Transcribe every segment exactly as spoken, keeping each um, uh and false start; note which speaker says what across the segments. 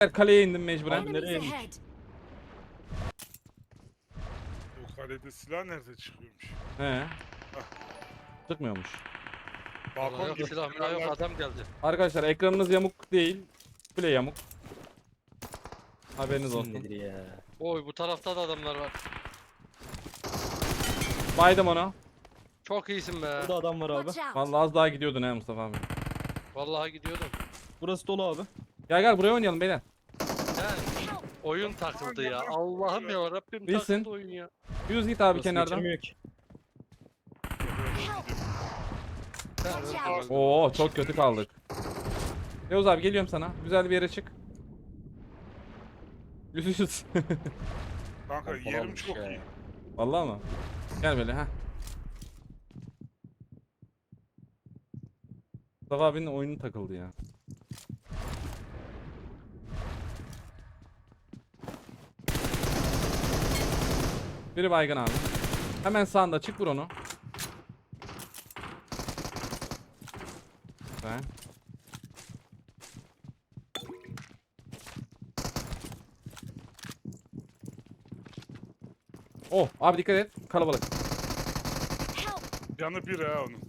Speaker 1: Kaleye indim mecburen.
Speaker 2: Abi nereye indik?
Speaker 3: O kalede silah nerede çıkıyormuş?
Speaker 1: He. Çıkmıyormuş.
Speaker 3: Balkon
Speaker 4: Vallahi yok
Speaker 3: gibi
Speaker 4: silah milah yok
Speaker 3: kenarlar-
Speaker 4: adam geldi.
Speaker 1: Arkadaşlar ekranınız yamuk değil. Kule yamuk. Haberiniz
Speaker 2: İsim
Speaker 1: olsun.
Speaker 2: nedir ya?
Speaker 4: Oy bu tarafta da adamlar var.
Speaker 1: Baydım onu.
Speaker 4: Çok iyisin be.
Speaker 2: Burada adam var abi.
Speaker 1: Vallahi az daha gidiyordun he Mustafa abi.
Speaker 4: Vallahi gidiyordum.
Speaker 2: Burası dolu abi.
Speaker 1: Gel gel buraya oynayalım beyler.
Speaker 4: He. Oyun takıldı ya. Allah'ım ya Rabbim
Speaker 1: Bilsin.
Speaker 4: takıldı oyun ya.
Speaker 1: Yüz git abi
Speaker 2: Burası
Speaker 1: kenardan.
Speaker 2: geçilmiyor ki.
Speaker 4: He,
Speaker 1: Oo çok kötü kaldık. Yavuz abi geliyorum sana. Güzel bir yere çık. Yüz yüz.
Speaker 3: Kanka yerim çok iyi.
Speaker 1: Vallahi mı? Gel böyle ha. Mustafa abinin oyunu takıldı ya. Biri baygın abi. Hemen sağında çık vur onu. Ben. Oh abi dikkat et kalabalık.
Speaker 3: Canı bir ha onun.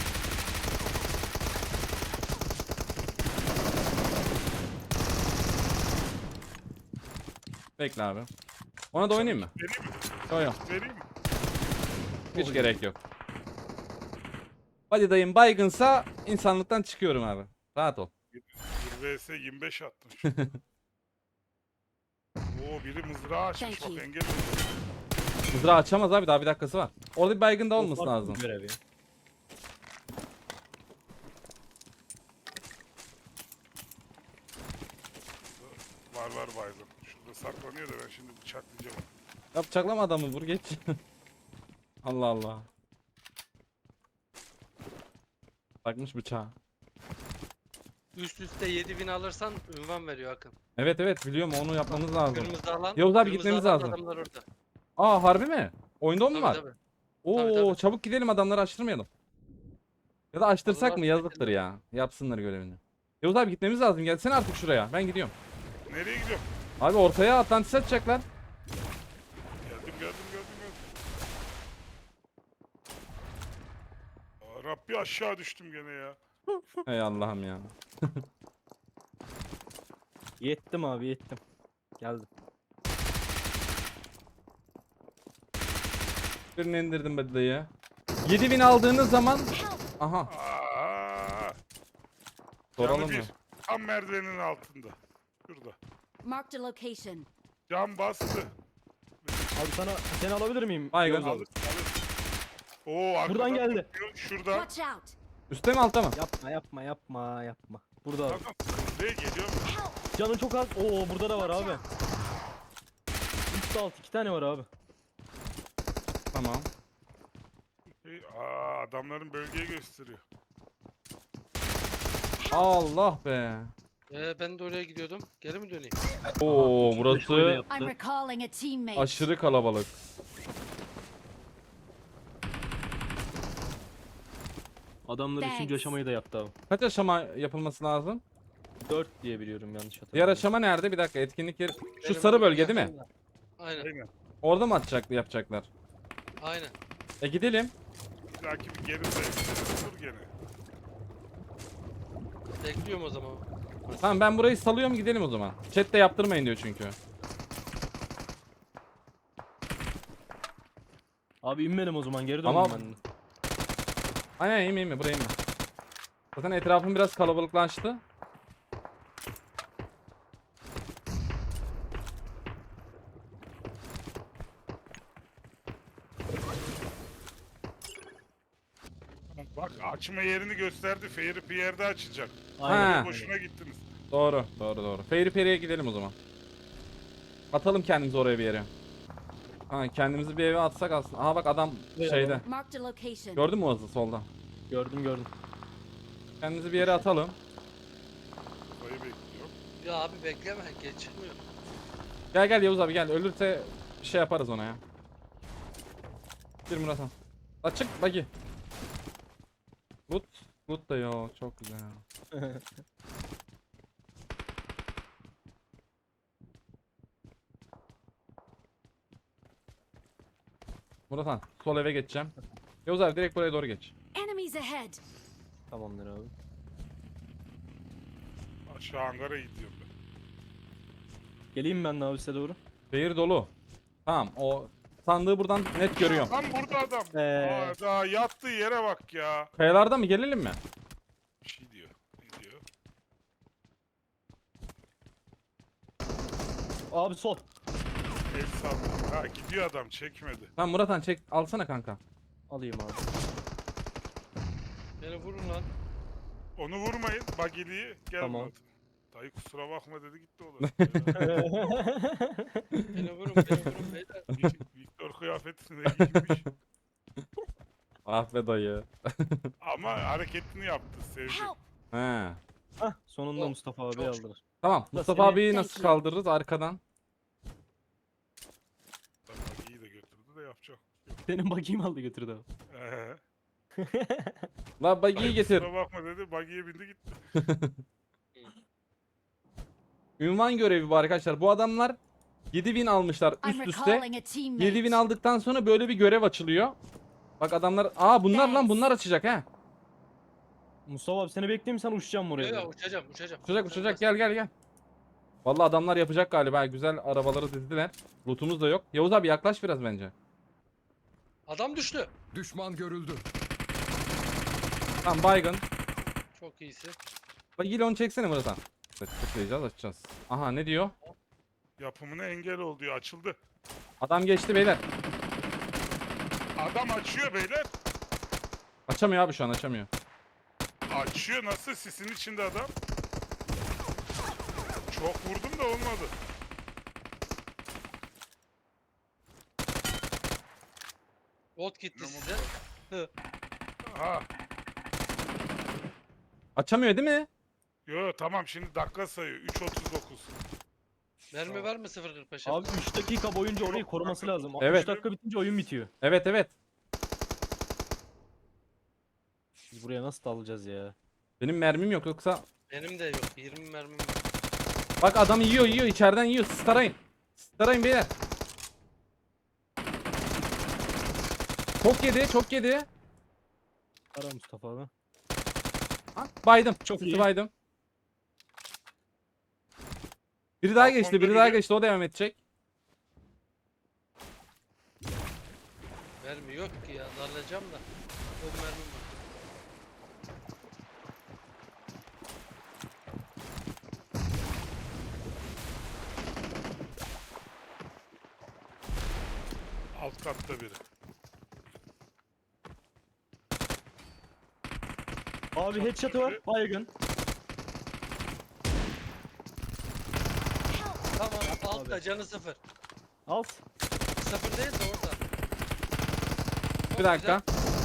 Speaker 1: Bekle abi. Ona da oynayayım mı?
Speaker 3: Vereyim mi?
Speaker 1: Yok yok.
Speaker 3: Vereyim mi?
Speaker 1: Hiç gerek yok. Hadi dayım baygınsa insanlıktan çıkıyorum abi. Rahat ol.
Speaker 3: bir vs yirmi beş attım şu. Oo biri mızrağı açmış
Speaker 5: Thank
Speaker 3: bak
Speaker 5: you.
Speaker 3: engel oldu.
Speaker 1: Mızrağı açamaz abi daha bir dakikası var. Orada bir baygın da
Speaker 2: O
Speaker 1: olması
Speaker 2: farklı
Speaker 1: lazım.
Speaker 2: bir görev ya.
Speaker 3: Var var baygın. Şurada saklanıyor da ben şimdi bıçaklayacağım.
Speaker 1: Ya bıçaklama adamı vur geç. Allah Allah. Takmış bıçağı.
Speaker 4: Üst üste yedi bin alırsan ünvan veriyor Akın.
Speaker 1: Evet evet biliyorum onu yapmamız lazım.
Speaker 4: Kırmızı alan.
Speaker 1: Yavuz abi
Speaker 4: kırmızı
Speaker 1: gitmemiz
Speaker 4: alan
Speaker 1: lazım.
Speaker 4: Adamlar orada.
Speaker 1: Aa harbi mi? Oyunda o mu
Speaker 4: Tabii
Speaker 1: var?
Speaker 4: tabii.
Speaker 1: Oo
Speaker 4: Tabii, tabii.
Speaker 1: çabuk gidelim adamları açtırmayalım. Ya da açtırsak
Speaker 4: Adamlar
Speaker 1: mı yazıktır
Speaker 4: bekliyor.
Speaker 1: ya. Yapsınlar görevini. Yavuz abi gitmemiz lazım. Gelsene artık şuraya. Ben gidiyorum.
Speaker 3: Nereye gidiyorum?
Speaker 1: Abi ortaya Atlantis atacaklar.
Speaker 3: Geldim geldim geldim geldim. Aa, Rabbi aşağı düştüm gene ya.
Speaker 1: Ey Allah'ım ya.
Speaker 2: Yettim abi yettim. Geldim.
Speaker 1: Birini indirdim be dayı. yedi bin aldığınız zaman aha
Speaker 3: Aa,
Speaker 1: soralım
Speaker 3: canı
Speaker 1: mı?
Speaker 3: bir. Tam merdivenin altında. Şurada.
Speaker 5: Marked a location.
Speaker 3: Cam bastı.
Speaker 2: Abi sana seni alabilir miyim?
Speaker 1: Baygın.
Speaker 2: Yavuz abi.
Speaker 3: Alır, alır. Oo, arkadan
Speaker 2: Buradan geldi.
Speaker 3: bakıyor, Şurada.
Speaker 5: Watch out.
Speaker 1: Üste mi altta mı?
Speaker 2: Yapma yapma yapma yapma. Burada abi.
Speaker 3: Bakın. Buraya geliyor mu?
Speaker 2: Canın çok az. Oo burada da var abi. Üst alt iki tane var abi.
Speaker 1: Tamam.
Speaker 3: Şey, aa, adamların bölgeyi gösteriyor.
Speaker 1: Allah be.
Speaker 4: Ee, ben de oraya gidiyordum. Geri mi döneyim?
Speaker 1: Oo
Speaker 2: Şöyle
Speaker 1: burası
Speaker 2: yaptı.
Speaker 5: I'm recalling a teammate.
Speaker 1: aşırı kalabalık.
Speaker 2: Adamlar üçüncü
Speaker 5: Thanks.
Speaker 2: aşamayı da yaptı abi.
Speaker 1: Kaç aşama yapılması lazım?
Speaker 2: dört diye biliyorum yanlış hatırlamıyorum.
Speaker 1: Diğer aşama nerede? Bir dakika etkinlik yeri. Şu
Speaker 4: Benim
Speaker 1: sarı
Speaker 4: orada
Speaker 1: bölge değil mi?
Speaker 4: yakında. Aynen.
Speaker 3: Aynen.
Speaker 1: Orada mı atacaklı yapacaklar?
Speaker 4: Aynen.
Speaker 1: E gidelim.
Speaker 3: Bir dahaki bir geri de dur gene.
Speaker 4: Bekliyorum o zaman.
Speaker 1: Tamam ben burayı salıyorum gidelim o zaman. Chat'te yaptırmayın diyor çünkü.
Speaker 2: Abi inmedim o zaman geri döndüm
Speaker 1: Ama-
Speaker 2: ben. de.
Speaker 1: Aynen iyi mi iyi mi buraya mi? Zaten etrafım biraz kalabalıklaştı.
Speaker 3: Bak açma yerini gösterdi. Fairy Pierre'de açacak.
Speaker 2: Aynen.
Speaker 1: Ha.
Speaker 3: Boşuna gittiniz.
Speaker 1: Doğru doğru doğru. Fairy Fairy'e gidelim o zaman. Atalım kendimizi oraya bir yere. Ha kendimizi bir eve atsak aslında. Aha bak adam
Speaker 2: Evet,
Speaker 1: şeyde.
Speaker 5: Marked a location.
Speaker 1: Gördün mü o hızı solda?
Speaker 2: Gördüm gördüm.
Speaker 1: Kendimizi bir yere atalım.
Speaker 3: Burayı bekliyor.
Speaker 4: Ya abi bekleme. Geç çıkmıyor.
Speaker 1: Gel gel Yavuz abi gel. Ölürse bir şey yaparız ona ya. Bir Murat Han. Açık bagi. Loot. Loot da yok. Çok güzel. Murat Han sol eve geçeceğim. Yavuz abi direkt buraya doğru geç.
Speaker 5: Enemies ahead.
Speaker 2: Tamamdır abi.
Speaker 3: Aşağı hangara gidiyorum ben.
Speaker 2: Geleyim ben de abi size doğru.
Speaker 1: Şehir dolu. Tamam o sandığı buradan net görüyorum.
Speaker 3: Lan burada adam.
Speaker 2: Ee.
Speaker 3: Aa, daha yattığı yere bak ya.
Speaker 1: Kayalarda mı gelelim mi?
Speaker 3: Bir şey diyor. Ne diyor?
Speaker 2: Abi sol.
Speaker 3: El salladı. Ha gidiyor adam çekmedi.
Speaker 1: Tamam Murat Han çek alsana kanka.
Speaker 2: Alayım abi.
Speaker 4: Beni vurun lan.
Speaker 3: Onu vurmayın. Bagili'yi gelmedi.
Speaker 2: Tamam.
Speaker 3: Dayı kusura bakma dedi gitti olur.
Speaker 4: Beni vurun beni vurun beyler.
Speaker 3: Victor kıyafetini de giymiş.
Speaker 1: Ah be dayı.
Speaker 3: Ama hareketini yaptı sevdi.
Speaker 5: Help.
Speaker 1: He.
Speaker 2: Hah sonunda
Speaker 4: Oh,
Speaker 2: Mustafa abi
Speaker 4: çok
Speaker 2: aldılar.
Speaker 1: Tamam
Speaker 2: Nasıl
Speaker 1: Mustafa
Speaker 2: yani?
Speaker 1: abiyi nasıl kaldırırız arkadan?
Speaker 3: Bagiyi de götürdü de yapacak.
Speaker 2: Senin bakayım aldı götürdü abi.
Speaker 3: Ee,
Speaker 1: La bagiyi
Speaker 3: dayı
Speaker 1: getir.
Speaker 3: Kusura bakma dedi. Bagiye bindi gitti.
Speaker 1: Ünvan görevi bu arkadaşlar. Bu adamlar yedi bin almışlar
Speaker 5: I'm
Speaker 1: üst üste.
Speaker 5: recalling a teammate.
Speaker 1: yedi bin aldıktan sonra böyle bir görev açılıyor. Bak adamlar aa bunlar lan
Speaker 5: Thanks.
Speaker 1: bunlar açacak ha.
Speaker 2: Mustafa abi seni bekleyeyim sen uçacağım buraya.
Speaker 4: Ya, ya
Speaker 2: doğru.
Speaker 4: uçacağım uçacağım.
Speaker 1: Uçacak uçacak gel gel gel. Vallahi adamlar yapacak galiba. Güzel arabaları dizdiler. Lootumuz da yok. Yavuz abi yaklaş biraz bence.
Speaker 4: Adam düştü.
Speaker 6: Düşman görüldü.
Speaker 1: Tamam baygın.
Speaker 4: Çok iyisin.
Speaker 1: Bak yine onu çeksene Murat Han. Evet, tıklayacağız açacağız. Aha ne diyor?
Speaker 3: Yapımına engel oldu diyor. Açıldı.
Speaker 1: Adam geçti beyler.
Speaker 3: Adam açıyor beyler.
Speaker 1: Açamıyor abi şu an açamıyor.
Speaker 3: Açıyor nasıl? Sisin içinde adam. Çok vurdum da olmadı.
Speaker 4: Bot gitti
Speaker 3: Ne
Speaker 4: size.
Speaker 3: Ha.
Speaker 1: Açamıyor değil mi?
Speaker 3: Yo tamam şimdi dakika sayıyor. üç otuz dokuz.
Speaker 4: Mermi var mı sıfır kırk beşe?
Speaker 2: Abi üç dakika boyunca orayı koruması lazım.
Speaker 1: Evet.
Speaker 2: üç dakika bitince oyun bitiyor.
Speaker 1: Evet evet.
Speaker 2: Biz buraya nasıl dalacağız ya?
Speaker 1: Benim mermim yok yoksa.
Speaker 4: Benim de yok. yirmi mermim var.
Speaker 1: Bak adam yiyor yiyor içeriden yiyor. Siz tarayın. Siz tarayın beyler. Çok yedi çok yedi.
Speaker 2: Ara Mustafa abi.
Speaker 1: Ha, baydım.
Speaker 2: Çok
Speaker 1: Sizi
Speaker 2: iyi.
Speaker 1: baydım. Biri daha geçti,
Speaker 3: Balkonda
Speaker 1: biri daha
Speaker 3: biri.
Speaker 1: geçti. O devam edecek.
Speaker 4: Mermi yok ki ya. Darlayacağım da. O mermim var.
Speaker 3: Alt katta biri.
Speaker 2: Abi headshot'ı var. Baygın.
Speaker 4: Tamam altta canı sıfır.
Speaker 2: Alt.
Speaker 4: Sıfır değil de orada. Çok
Speaker 1: Bir dakika.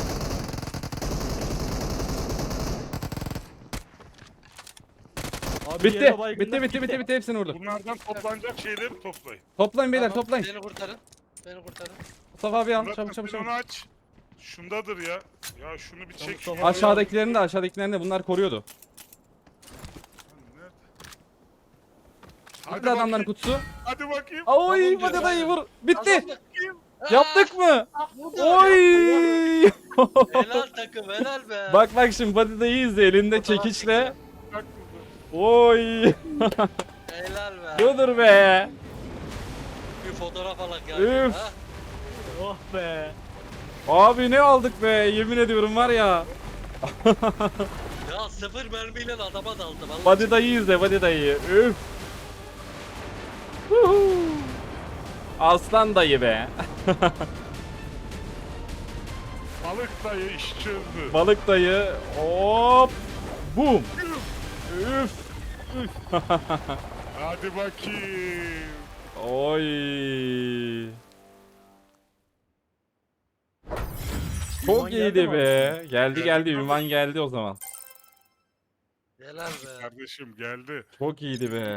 Speaker 2: Abi
Speaker 1: Bitti.
Speaker 2: yere baygınlar
Speaker 1: Bitti bitti bitti bitti hepsini vurdum.
Speaker 3: Bunlardan toplanacak şeyleri toplayın.
Speaker 1: Toplayın beyler
Speaker 4: Tamam,
Speaker 1: toplayın.
Speaker 4: Beni kurtarın. Beni kurtarın.
Speaker 1: Mustafa abi al
Speaker 3: Murat
Speaker 1: çabuk çabuk
Speaker 3: sen
Speaker 1: çabuk.
Speaker 3: onu aç. Şundadır ya. Ya şunu bir çek.
Speaker 2: Mustafa
Speaker 3: ya.
Speaker 1: Aşağıdakilerini de aşağıdakilerini de bunlar koruyordu.
Speaker 3: Nerede?
Speaker 1: Bitti adamların
Speaker 3: bakayım,
Speaker 1: kutusu.
Speaker 3: Hadi bakayım.
Speaker 1: Oy
Speaker 4: Tamam,
Speaker 1: hadi dayı vur. Bitti.
Speaker 4: Kazandık.
Speaker 1: Yaptık mı?
Speaker 4: Aa,
Speaker 1: Oy.
Speaker 4: Helal takım helal be.
Speaker 1: Bak bak şimdi Badi dayı izle elinde
Speaker 4: Fotoğraf
Speaker 1: çekiçle.
Speaker 3: Bak
Speaker 1: Oy.
Speaker 4: Helal be.
Speaker 1: Budur be.
Speaker 4: Bir fotoğraf alak ya.
Speaker 1: Üf.
Speaker 4: Ha?
Speaker 2: Oh be.
Speaker 1: Abi ne aldık be yemin ediyorum var ya.
Speaker 4: Ya sıfır mermiyle adama daldı. Vallahi
Speaker 1: Badi dayı izle Badi dayı. Üf. Huhu. Aslan dayı be.
Speaker 3: balık dayı iş çözdü.
Speaker 1: Balık dayı. Hop. Boom. Üf.
Speaker 3: Hadi bakayım.
Speaker 1: Oy. Çok
Speaker 2: Ünvan geldi
Speaker 1: iyiydi
Speaker 2: mi
Speaker 1: be. Geldi
Speaker 3: Geldi
Speaker 1: geldi
Speaker 3: tabii.
Speaker 1: ünvan geldi o zaman.
Speaker 4: Helal be.
Speaker 3: Kardeşim geldi.
Speaker 1: Çok iyiydi be.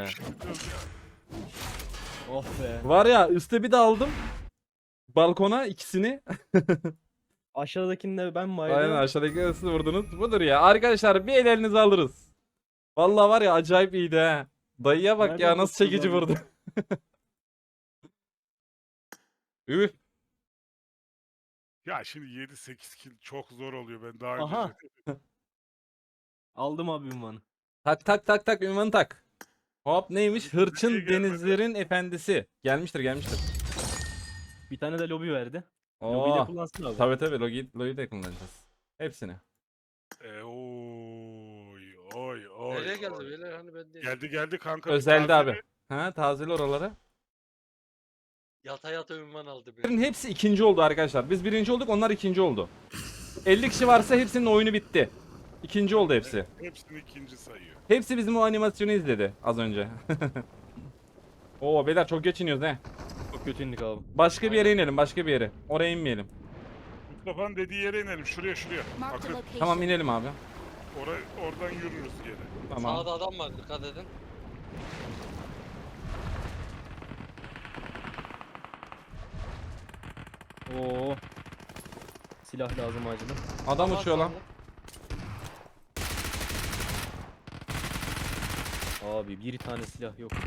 Speaker 2: Oh be.
Speaker 1: Var ya üstte bir de aldım. Balkona ikisini.
Speaker 2: Aşağıdakini de ben baydım.
Speaker 1: Aynen aşağıdaki nasıl vurdunuz? Budur ya. Arkadaşlar bir el elinize alırız. Vallahi var ya acayip iyiydi ha. Dayıya bak ya
Speaker 2: Nereden
Speaker 1: nasıl çekici
Speaker 2: tuttun
Speaker 1: vurdu. Üf.
Speaker 3: Ya şimdi yedi sekiz kill çok zor oluyor, ben daha önce
Speaker 2: Aha.
Speaker 3: de-
Speaker 2: Aldım abi ünvanı.
Speaker 1: Tak tak tak tak ünvanı tak. Hop neymiş?
Speaker 3: Abi, nereye
Speaker 1: Hırçın
Speaker 3: gelmedi?
Speaker 1: denizlerin efendisi. Gelmiştir gelmiştir.
Speaker 2: Bir tane de lobi verdi. Lobiyi de
Speaker 1: Oo.
Speaker 2: kullansın abi.
Speaker 1: Tabii tabii Logi, Logi'yi de kullanacağız. Hepsini.
Speaker 3: E, oy oy oy.
Speaker 4: Nereye geldi
Speaker 3: oy.
Speaker 4: beyler hani ben değil.
Speaker 3: Geldi geldi kanka. bir
Speaker 1: Özelde
Speaker 3: tazeli.
Speaker 1: abi. Ha tazeli oraları.
Speaker 4: Yata yata ünvan aldı beni.
Speaker 1: Bunların hepsi ikinci oldu arkadaşlar. Biz birinci olduk, onlar ikinci oldu. elli kişi varsa hepsinin oyunu bitti. İkinci oldu hepsi.
Speaker 3: Hepsini ikinci sayıyor.
Speaker 1: Hepsi bizim o animasyonu izledi az önce. Oo beyler çok geç iniyoruz he.
Speaker 2: Çok kötü indik abi.
Speaker 1: Başka bir yere inelim, başka bir yere. Oraya inmeyelim.
Speaker 3: Mustafa'nın dediği yere inelim. Şuraya şuraya.
Speaker 5: Marked a
Speaker 3: Bakın
Speaker 5: location.
Speaker 1: Tamam inelim abi.
Speaker 3: oraya, oradan yürürüz geri.
Speaker 1: Tamam.
Speaker 4: Sağda adam var dikkat edin.
Speaker 2: Oo. Silah lazım acilen.
Speaker 1: Adam
Speaker 4: Aman
Speaker 1: uçuyor lan.
Speaker 4: Tanrım.
Speaker 2: Abi bir tane silah yok ya.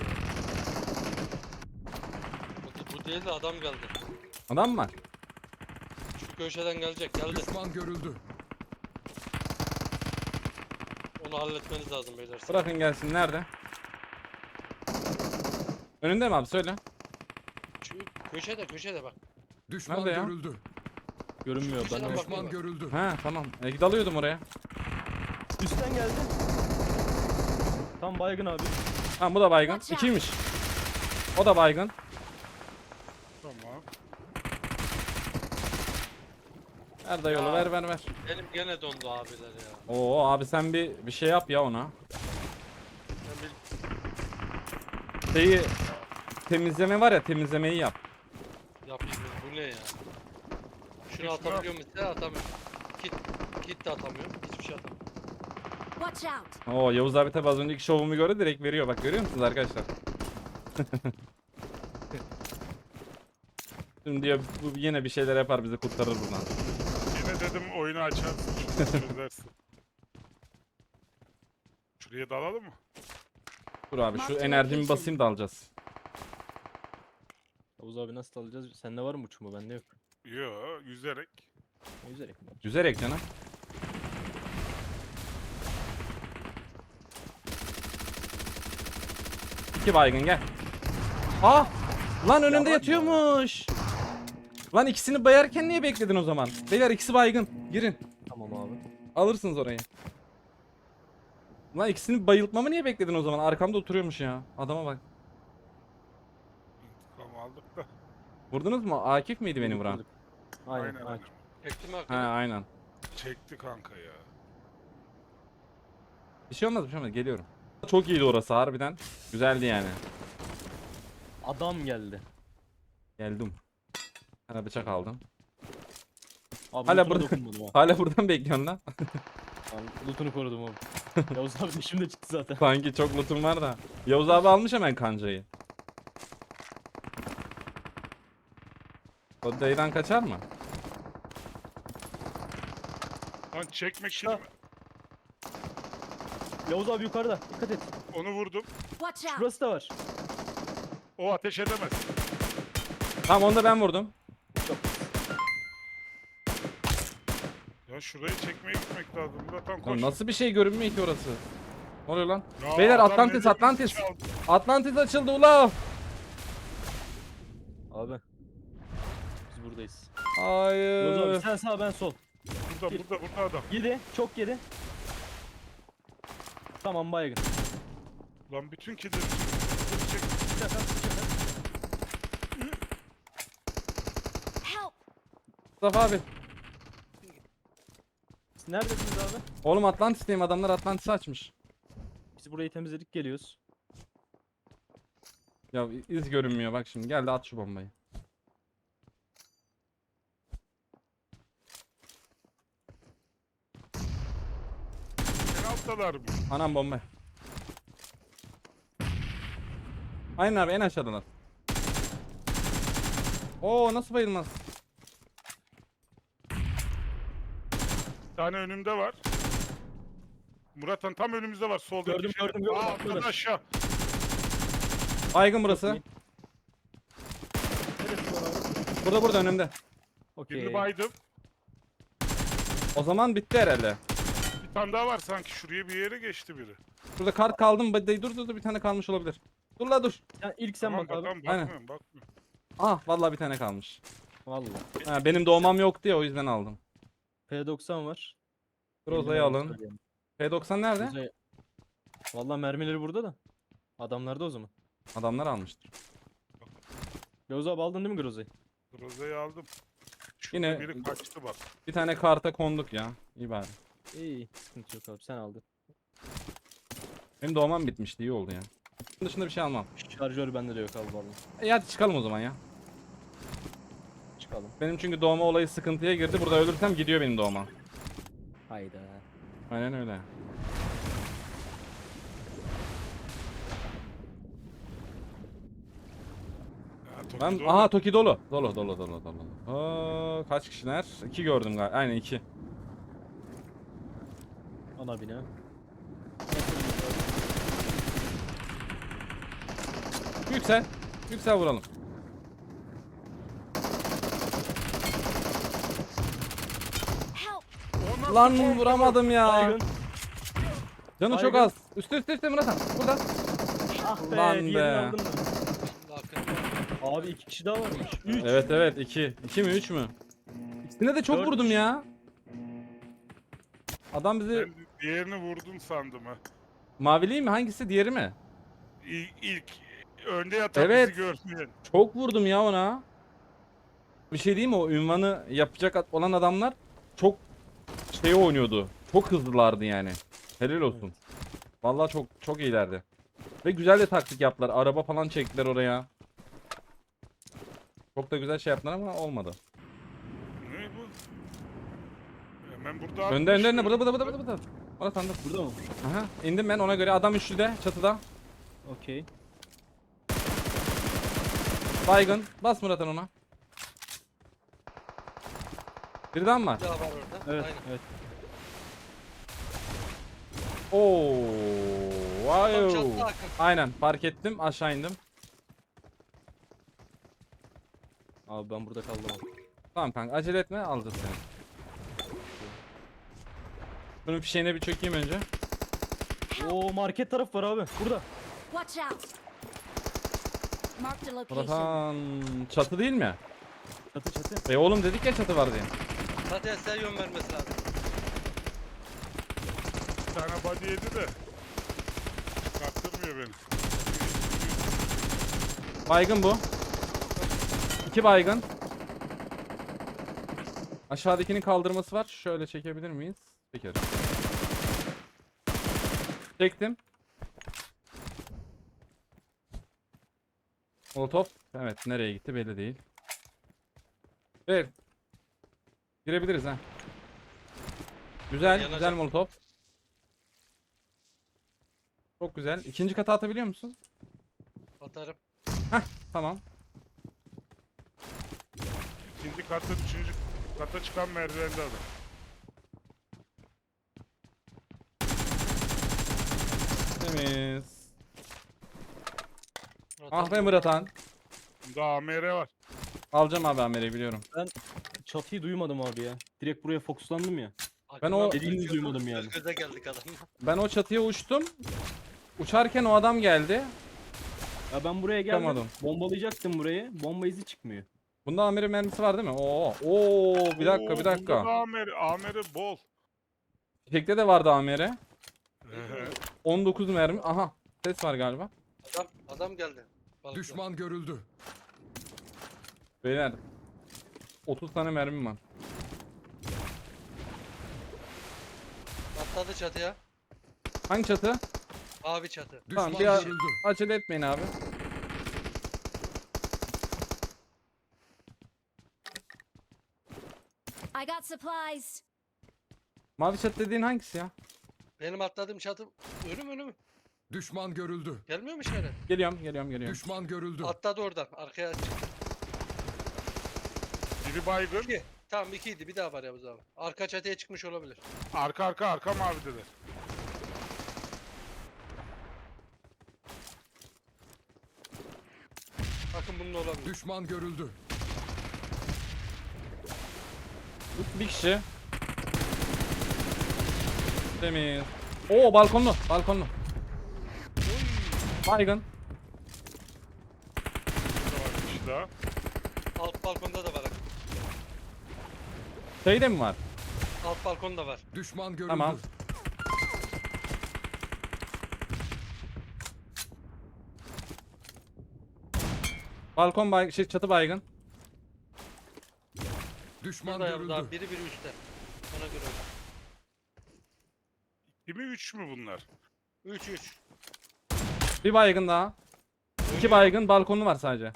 Speaker 4: Bu, bu değil de adam geldi.
Speaker 1: Adam mı var?
Speaker 4: Şu köşeden gelecek geldi.
Speaker 6: Düşman görüldü.
Speaker 4: Onu halletmeniz lazım beyler.
Speaker 1: Bırakın gelsin. Nerede? Önünde mi abi? Söyle.
Speaker 4: Şu köşede köşede bak.
Speaker 6: Düşman
Speaker 1: Nerede ya?
Speaker 6: görüldü.
Speaker 2: Görünmüyor
Speaker 4: Düşman
Speaker 2: ben de.
Speaker 4: bak.
Speaker 6: Düşman görüldü.
Speaker 1: Ha tamam. E, dalıyordum oraya.
Speaker 2: Üstten geldi. Tam baygın abi.
Speaker 1: Tamam bu da baygın.
Speaker 5: Watch out.
Speaker 1: İkiymiş. O da baygın.
Speaker 3: Tamam.
Speaker 1: Ver da yolu
Speaker 4: Ya.
Speaker 1: ver ver ver.
Speaker 4: Elim gene dondu abiler ya.
Speaker 1: Oo abi sen bir bir şey yap ya ona.
Speaker 4: Ben bir
Speaker 1: Şeyi temizleme var ya temizlemeyi yap.
Speaker 4: yapayım bu ne ya? Şunu
Speaker 3: Şuna-
Speaker 4: atabiliyor musun? Sen atamıyorum. Kit, kit de atamıyorum. Hiçbir şey atamıyorum.
Speaker 5: Watch out.
Speaker 1: Oo Yavuz abi tabi az önceki şovumu gördü direkt veriyor bak görüyor musunuz arkadaşlar? Şimdi diyor bu yine bir şeyler yapar bizi kurtarır buradan.
Speaker 3: Yine dedim oyunu açarsın. Şunu çözersin. Şuraya dalalım mı?
Speaker 1: Dur abi şu
Speaker 5: Marked
Speaker 1: enerjimi
Speaker 5: location.
Speaker 1: basayım da alacağız.
Speaker 2: Yavuz abi nasıl alacağız? Sende var mı uçma? Bende yok.
Speaker 3: Yo, yüzerek.
Speaker 2: Yüzerek.
Speaker 1: Yüzerek canım. İki baygın gel. Ah! Lan önünde
Speaker 2: bak
Speaker 1: yatıyormuş. Lan ikisini bayarken niye bekledin o zaman? Beyler ikisi baygın. Girin.
Speaker 2: Tamam abi.
Speaker 1: Alırsınız orayı. Lan ikisini bayıltmamı niye bekledin o zaman? Arkamda oturuyormuş ya. Adama bak.
Speaker 3: İntikam aldık da.
Speaker 1: Vurdunuz mu? Akif miydi beni vuran?
Speaker 2: Aynen.
Speaker 3: Aynen
Speaker 2: aynen.
Speaker 3: aynen.
Speaker 4: Çektim
Speaker 1: Ha
Speaker 4: hakikaten.
Speaker 1: aynen.
Speaker 3: Çekti kanka ya.
Speaker 1: Bir şey olmaz bir şey olmaz. Geliyorum. Çok iyiydi orası harbiden. Güzeldi yani.
Speaker 2: Adam geldi.
Speaker 1: Geldim. Sana bıçak aldım.
Speaker 2: Abi
Speaker 1: Hala
Speaker 2: lootuna
Speaker 1: burada-
Speaker 2: dokunmadım ha.
Speaker 1: Hala buradan bekliyorsun lan.
Speaker 2: Ben lootunu korudum abi. Yavuz abi de şimdi çıktı zaten.
Speaker 1: Sanki çok lootum var da. Yavuz abi almış hemen kancayı. O dayıdan kaçar mı?
Speaker 3: Lan çekmek için
Speaker 2: Şa- Yavuz abi yukarıda. Dikkat et.
Speaker 3: onu vurdum.
Speaker 5: Watch out.
Speaker 2: Burası da var.
Speaker 3: O ateş edemez.
Speaker 1: Tamam onu da ben vurdum.
Speaker 3: Ya şurayı çekmeye gitmek lazım. Zaten
Speaker 1: Lan
Speaker 3: koş.
Speaker 1: nasıl bir şey görünmüyor ki orası? Ne oluyor lan?
Speaker 3: Ya
Speaker 1: Beyler
Speaker 3: adam
Speaker 1: Atlantis
Speaker 3: elli
Speaker 1: Atlantis.
Speaker 3: çaldı.
Speaker 1: Atlantis açıldı ula.
Speaker 2: Abi. Biz buradayız. Yavuz abi
Speaker 1: Hayır.
Speaker 2: sen sağ ben sol.
Speaker 3: Burada burada burada adam.
Speaker 2: Yedi. Çok yedi. Tamam baygın.
Speaker 3: Lan bütün killeri çek.
Speaker 5: Help.
Speaker 1: Mustafa abi.
Speaker 2: Siz neredesiniz abi?
Speaker 1: Oğlum Atlantis'teyim adamlar Atlantis'i açmış.
Speaker 2: Biz burayı temizledik geliyoruz.
Speaker 1: Ya iz görünmüyor bak şimdi gel de at şu bombayı.
Speaker 3: En alttalar mı?
Speaker 1: Anam bomba. Aynen abi en aşağıdalar. Oo nasıl bayılmaz?
Speaker 3: Bir tane önümde var. Murat'ın tam önümüzde var. Solda
Speaker 2: Gördüm,
Speaker 3: iki şey-
Speaker 2: gördüm, gördüm.
Speaker 3: Aa,
Speaker 2: Atladı.
Speaker 3: atladı aşağı.
Speaker 1: Baygın burası.
Speaker 2: iyi. Neresi var abi?
Speaker 1: Burada burada önümde.
Speaker 2: Okey.
Speaker 3: Birini baydım.
Speaker 1: O zaman bitti herhalde.
Speaker 3: Bir tane daha var sanki. Şuraya bir yere geçti biri.
Speaker 1: Burada kart kaldım. Dur dur dur bir tane kalmış olabilir. Dur la dur.
Speaker 2: Ya ilk sen
Speaker 3: Tamam
Speaker 2: bak abi.
Speaker 3: bakalım,
Speaker 1: Aynen.
Speaker 3: bakmıyorum bakmıyorum.
Speaker 1: Ah vallahi bir tane kalmış.
Speaker 2: Vallahi.
Speaker 1: Ha, benim doğmam yoktu ya o yüzden aldım.
Speaker 2: P doksan var.
Speaker 1: Groza'yı alın. P doksan nerede?
Speaker 2: Groza'yı- Vallahi mermileri burada da. Adamlarda o zaman.
Speaker 1: Adamlar almıştır.
Speaker 2: Yavuz abi aldın değil mi Groza'yı?
Speaker 3: Groza'yı aldım. Şurada
Speaker 1: Yine-
Speaker 3: biri kaçtı bak.
Speaker 1: Bir tane karta konduk ya. İyi bari.
Speaker 2: İyi iyi. Sıkıntı yok abi sen aldın.
Speaker 1: Benim doğmam bitmişti iyi oldu ya. Bunun dışında bir şey almam.
Speaker 2: Şarjör bende de yok abi vallahi.
Speaker 1: E hadi çıkalım o zaman ya.
Speaker 2: Çıkalım.
Speaker 1: Benim çünkü doğma olayı sıkıntıya girdi. Burada ölürsem gidiyor benim doğma.
Speaker 2: Hayda.
Speaker 1: Aynen öyle.
Speaker 3: Ya, Toki
Speaker 1: Ben
Speaker 3: dolu.
Speaker 1: aha Toki dolu. Dolu dolu dolu dolu. Aa, kaç kişiler? İki gördüm galiba. Aynen iki.
Speaker 2: Ana bina.
Speaker 1: Yüksel. Yüksel vuralım.
Speaker 5: Help!
Speaker 3: O nasıl
Speaker 1: Lan
Speaker 3: bomba?
Speaker 1: vuramadım ya.
Speaker 2: Baygın.
Speaker 1: Canı çok
Speaker 2: Baygın.
Speaker 1: az. Üstte üstte üstte Murat Han. Burada.
Speaker 2: Ah be.
Speaker 1: Lan
Speaker 2: diğerini
Speaker 1: be.
Speaker 2: aldın mı?
Speaker 4: Şimdi arkada.
Speaker 2: Abi iki kişi daha varmış. Üç.
Speaker 1: Evet evet iki. İki mi üç mü? İkisine de çok
Speaker 2: Dört
Speaker 1: vurdum
Speaker 2: kişi.
Speaker 1: ya. Adam bizi
Speaker 3: Ben diğerini vurdun sandım ha.
Speaker 1: mavili mi hangisi diğeri mi?
Speaker 3: İlk, ilk önde yatan
Speaker 1: Evet.
Speaker 3: bizi görmeyen.
Speaker 1: Çok vurdum ya ona. Bir şey diyeyim mi o ünvanı yapacak olan adamlar çok şey oynuyordu. Çok hızlılardı yani. Helal olsun. Vallahi çok çok iyilerdi. Ve güzel de taktik yaptılar. Araba falan çektiler oraya. Çok da güzel şey yaptılar ama olmadı.
Speaker 3: Ne bu? Hemen burada
Speaker 1: Önde önde önde
Speaker 3: atmış.
Speaker 1: burada burada burada burada. burada. Orada sandık.
Speaker 2: Burada mı?
Speaker 1: Aha indim ben ona göre adam üçlüde çatıda.
Speaker 2: Okey.
Speaker 1: Baygın. Bas Murat'ın ona. Birden var.
Speaker 4: Bir daha var orada.
Speaker 2: Evet
Speaker 4: Aynen.
Speaker 2: evet.
Speaker 1: Oo.
Speaker 4: Tam
Speaker 1: Vay.
Speaker 4: çatlı Hakan.
Speaker 1: Aynen fark ettim aşağı indim.
Speaker 2: Abi ben burada kaldım abi.
Speaker 1: Tamam kanka acele etme alacağız seni. Bunun fişeğine bir çökeyim önce.
Speaker 2: Oo market taraf var abi. Burada.
Speaker 5: Watch out! Marked a location.
Speaker 1: Burası çatı değil mi?
Speaker 2: Çatı çatı.
Speaker 1: E oğlum dedik ya çatı var diye.
Speaker 4: Zaten size yön vermesi lazım.
Speaker 3: Bir tane body yedi de. Kaptırmıyor beni.
Speaker 1: Baygın bu. İki baygın. Aşağıdakinin kaldırması var. Şöyle çekebilir miyiz? Çekeriz. Çektim. Molotov. Evet nereye gitti belli değil. Evet. Girebiliriz ha. Güzel,
Speaker 4: Yanacak.
Speaker 1: güzel Molotov. Çok güzel. İkinci kata atabiliyor musun?
Speaker 4: Atarım.
Speaker 1: Tamam.
Speaker 3: İkinci katta, üçüncü kata çıkan merdivende adam.
Speaker 1: Temiz.
Speaker 4: Murat
Speaker 1: Ah
Speaker 4: abi.
Speaker 1: be Murat Han.
Speaker 3: Bunda A M R var.
Speaker 1: Alacağım abi Amer'i biliyorum.
Speaker 2: Çatıyı duymadım abi ya. Direkt buraya fokuslandım ya.
Speaker 4: Hakan
Speaker 1: Ben o-
Speaker 4: abi
Speaker 2: Dediğinizi
Speaker 4: göz-
Speaker 2: duymadım yani.
Speaker 4: Göz göze geldik adamla.
Speaker 1: Ben o çatıya uçtum. Uçarken o adam geldi.
Speaker 2: Ya ben buraya geldim.
Speaker 1: Çıkamadım.
Speaker 2: Bombalayacaktım burayı. Bomba izi çıkmıyor.
Speaker 1: Bunda Amer'in mermisi var değil mi? Oo, oo bir dakika
Speaker 3: Oo,
Speaker 1: bir
Speaker 3: Bunda
Speaker 1: dakika.
Speaker 3: da A M R, A M R bol.
Speaker 1: Fişekte de vardı Amer'e.
Speaker 3: Ehe.
Speaker 1: on dokuz mermi. Aha ses var galiba.
Speaker 4: Adam, adam geldi. Balıklı.
Speaker 6: Düşman görüldü.
Speaker 1: Beyler. otuz tane mermim var.
Speaker 4: Atladı çatıya.
Speaker 1: Hangi çatı?
Speaker 4: Abi çatı.
Speaker 1: Tamam
Speaker 6: Düşman
Speaker 1: bir a-
Speaker 6: görüldü.
Speaker 1: acele etmeyin abi.
Speaker 5: I got supplies.
Speaker 1: Mavi çatı dediğin hangisi ya?
Speaker 4: Benim atladığım çatı önüm önüm.
Speaker 6: Düşman görüldü.
Speaker 4: Gelmiyor mu işaret?
Speaker 1: Geliyorum geliyorum geliyorum.
Speaker 6: Düşman görüldü.
Speaker 4: Atladı oradan. Arkaya çıktı.
Speaker 3: Biri baygın.
Speaker 4: İki. Tamam ikiydi. Bir daha var Yavuz abi. Arka çatıya çıkmış olabilir.
Speaker 3: Arka arka arka mavideler.
Speaker 4: Bakın bunun olabilir.
Speaker 6: Düşman görüldü.
Speaker 1: Bir kişi. Temiz. Oo balkonlu. Balkonlu. Baygın.
Speaker 3: Burada var bir kişi daha.
Speaker 4: Alt balkonda da var Akın.
Speaker 1: Şeyde mi var?
Speaker 4: Alt balkonda var.
Speaker 6: Düşman görüldü.
Speaker 1: Tamam. Balkon bay şey çatı baygın.
Speaker 6: Düşman
Speaker 4: Burada
Speaker 6: görüldü.
Speaker 4: yavrular biri biri üstte. Ona göre.
Speaker 3: iki mi üç mü bunlar?
Speaker 4: üç üç.
Speaker 1: Bir baygın daha. İki baygın balkonlu var sadece.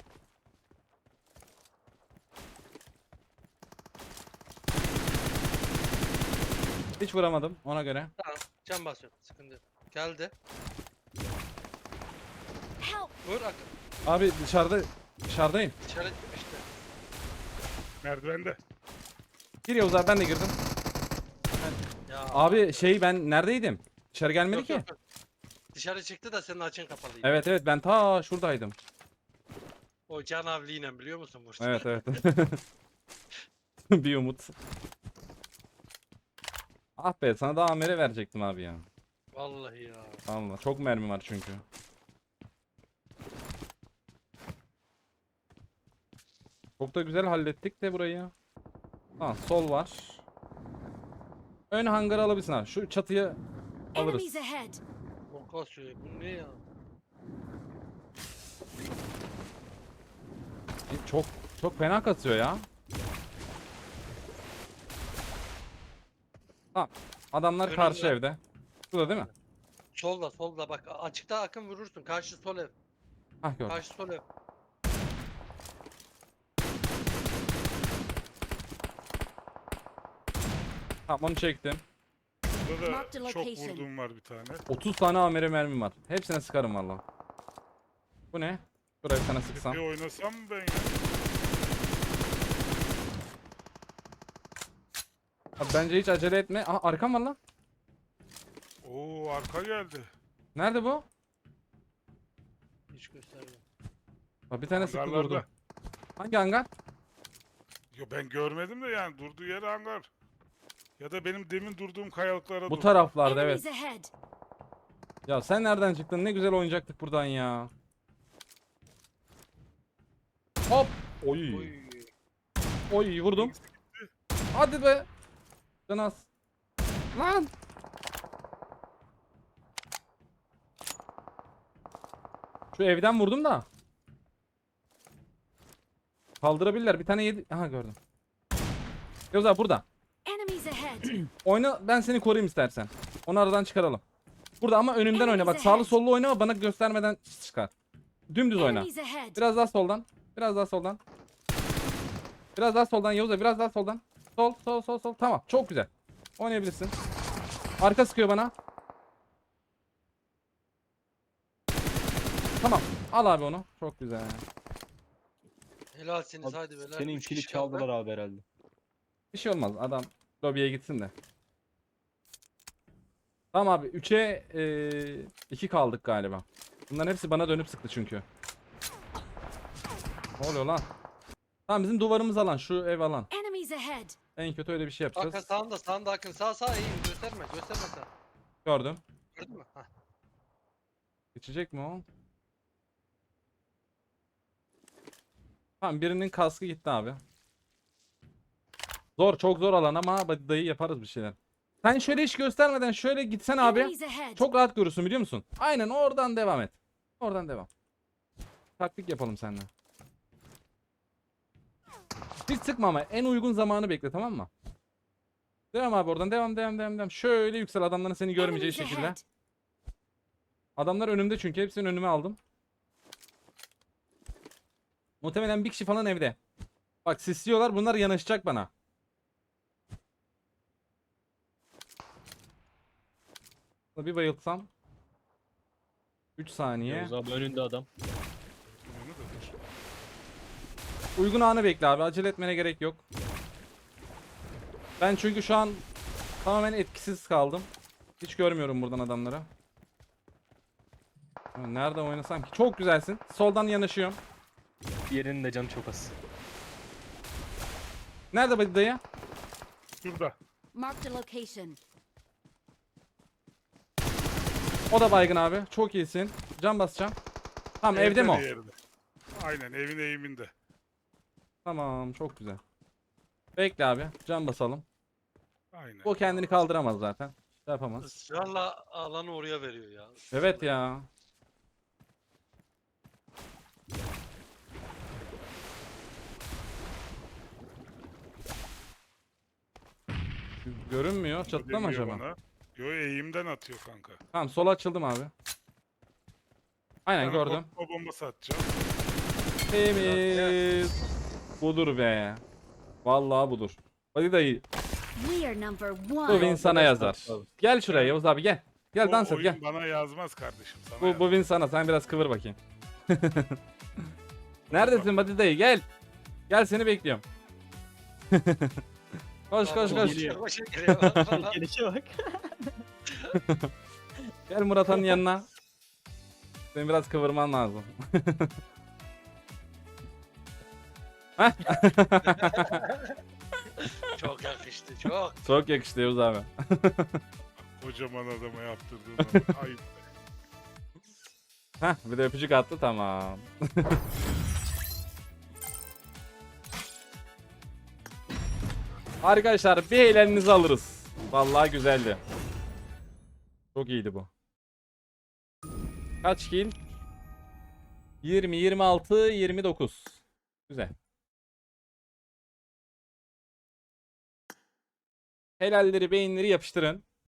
Speaker 1: Hiç vuramadım ona göre.
Speaker 4: Tamam. Can basıyorum. Sıkıntı yok. Geldi.
Speaker 5: Help!
Speaker 4: Vur Akın.
Speaker 1: Abi dışarıda dışarıdayım.
Speaker 4: İşaret işte.
Speaker 3: Merdivende.
Speaker 1: Gir Yavuz abi ben de girdim.
Speaker 4: Ya.
Speaker 1: Abi şey ben neredeydim? Dışarı gelmedi
Speaker 4: Yok,
Speaker 1: ki.
Speaker 4: yok, yok. Dışarı çıktı da senin açın kapalıydı.
Speaker 1: Evet evet ben ta şuradaydım.
Speaker 4: O can avliyle biliyor musun Burç?
Speaker 1: Evet evet. Bir umut. Ah be sana da amere verecektim abi ya.
Speaker 4: Vallahi ya.
Speaker 1: Allah çok mermi var çünkü. Çok da güzel hallettik de burayı. Ha sol var. Ön hangarı alabilirsin abi. Şu çatıyı alırız.
Speaker 5: Enemies ahead!
Speaker 4: O kasıyor. Bu ne ya?
Speaker 1: Çok çok fena kasıyor ya. Tamam. Adamlar
Speaker 4: Önümde.
Speaker 1: karşı evde. Şurada değil mi?
Speaker 4: Solda solda bak. Açıkta Akın vurursun. Karşı sol ev.
Speaker 1: Hah gördüm.
Speaker 4: Karşı sol ev.
Speaker 1: Tamam onu çektim.
Speaker 3: Burada
Speaker 5: Mark the
Speaker 3: da çok
Speaker 5: location.
Speaker 3: vurduğum var bir tane.
Speaker 1: otuz tane amere mermim var. Hepsine sıkarım valla. Bu ne? Buraya bir tane sıksam.
Speaker 3: Bir oynasam mı ben ya?
Speaker 1: Abi bence hiç acele etme. Aha arkam var lan.
Speaker 3: Oo arka geldi.
Speaker 1: Nerede bu?
Speaker 4: Hiç göstermiyor.
Speaker 1: Bak bir tane sıktı
Speaker 3: Hangarlarda.
Speaker 1: durdu. Hangi hangar?
Speaker 3: Yo ben görmedim de yani durduğu yer hangar. Ya da benim demin durduğum kayalıklara
Speaker 1: Bu
Speaker 3: durdu.
Speaker 1: taraflarda evet.
Speaker 5: Enemies ahead!
Speaker 1: Ya sen nereden çıktın? Ne güzel oynayacaktık buradan ya. Hop. Oy.
Speaker 4: Oy.
Speaker 1: Oy vurdum. Hadi be. Canas. Lan. Şu evden vurdum da. Kaldırabilirler. Bir tane yedi. Aha gördüm. Yavuz abi burada.
Speaker 5: Enemies ahead!
Speaker 1: Oyna ben seni koruyayım istersen. Onu aradan çıkaralım. Burada ama önümden oyna. Bak sağlı sollu oynama bana göstermeden çıkar. Dümdüz oyna.
Speaker 5: Enemies ahead!
Speaker 1: Biraz daha soldan. Biraz daha soldan. Biraz daha soldan Yavuz abi, biraz daha soldan. Sol sol sol sol. Tamam çok güzel. Oynayabilirsin. Arka sıkıyor bana. Tamam. Al abi onu. Çok güzel.
Speaker 4: Helalsiniz
Speaker 2: Abi,
Speaker 4: hadi beyler.
Speaker 2: Senin
Speaker 4: Üç
Speaker 2: kili
Speaker 4: kişi kaldı.
Speaker 2: çaldılar abi herhalde.
Speaker 1: Bir şey olmaz. Adam lobiye gitsin de. Tamam abi. üçe iki kaldık galiba. Bunların hepsi bana dönüp sıktı çünkü. Ne oluyor lan? Tamam bizim duvarımız alan. Şu ev alan.
Speaker 5: Enemies ahead!
Speaker 1: En kötü öyle bir şey
Speaker 4: Akın
Speaker 1: yapacağız.
Speaker 4: sağında sağında Akın sağ sağ iyi gösterme gösterme sen.
Speaker 1: Gördüm.
Speaker 4: Gördün mü? Hah.
Speaker 1: Geçecek mi o? Tamam birinin kaskı gitti abi. Zor çok zor alan ama hadi dayı yaparız bir şeyler. Sen şöyle hiç göstermeden şöyle gitsen abi.
Speaker 5: Enemies ahead!
Speaker 1: Çok rahat görürsün biliyor musun? Aynen oradan devam et. Oradan devam. Taktik yapalım seninle. Hiç sıkma ama en uygun zamanı bekle tamam mı? Devam abi oradan devam devam devam devam. Şöyle yüksel adamların seni görmeyeceği
Speaker 5: Enemies
Speaker 1: şekilde.
Speaker 5: ahead!
Speaker 1: Adamlar önümde çünkü hepsini önüme aldım. Muhtemelen bir kişi falan evde. Bak sisliyorlar bunlar yanaşacak bana. Bir bayıltsam. üç saniye.
Speaker 2: Yavuz abi önünde adam.
Speaker 3: Onu da dur.
Speaker 1: Uygun anı bekle abi. Acele etmene gerek yok. Ben çünkü şu an tamamen etkisiz kaldım. Hiç görmüyorum buradan adamları. Nerede oynasam ki? Çok güzelsin. Soldan yanaşıyorum.
Speaker 2: Diğerinin de canı çok az.
Speaker 1: Nerede bu dayı?
Speaker 3: Şurada.
Speaker 5: Marked a location.
Speaker 1: O da baygın abi. Çok iyisin. Can basacağım. Tamam evde mi o?
Speaker 3: diğeri de. Aynen evin eğiminde.
Speaker 1: Tamam çok güzel. Bekle abi. Can basalım.
Speaker 3: Aynen.
Speaker 1: O kendini kaldıramaz zaten. Şey yapamaz.
Speaker 4: Israrla alanı oraya veriyor ya.
Speaker 1: Evet ya. Görünmüyor. Çatıda mı
Speaker 3: Demiyor
Speaker 1: acaba?
Speaker 3: bana. Yo eğimden atıyor kanka.
Speaker 1: Tamam sola açıldım abi. Aynen
Speaker 3: Sana
Speaker 1: gördüm.
Speaker 3: korkma bombası atacağım.
Speaker 1: Temiz. Budur be. Vallahi budur. Hadi dayı.
Speaker 5: We are number
Speaker 1: Bu
Speaker 5: one.
Speaker 1: win sana yazar. Gel şuraya Yavuz abi gel. Gel
Speaker 3: O
Speaker 1: dans et
Speaker 3: oyun
Speaker 1: gel.
Speaker 3: bana yazmaz kardeşim. Sana
Speaker 1: Bu,
Speaker 3: yazar.
Speaker 1: bu win sana. Sen biraz kıvır bakayım. Neredesin Hadi dayı gel. Gel seni bekliyorum. Koş koş koş.
Speaker 2: Geliyor.
Speaker 4: Başa geliyor. Valla.
Speaker 2: Gelişe bak.
Speaker 1: Gel Murat Han'ın yanına. Senin biraz kıvırman lazım.
Speaker 4: Çok yakıştı çok.
Speaker 1: Çok yakıştı Yavuz abi.
Speaker 3: Kocaman adama yaptırdığın o- ayıp.
Speaker 1: Heh bir de öpücük attı tamam. Arkadaşlar bir eğleninizi alırız. Vallahi güzeldi. Çok iyiydi bu. Kaç kill? yirmi, yirmi altı, yirmi dokuz. Güzel. Helalleri, beyinleri yapıştırın.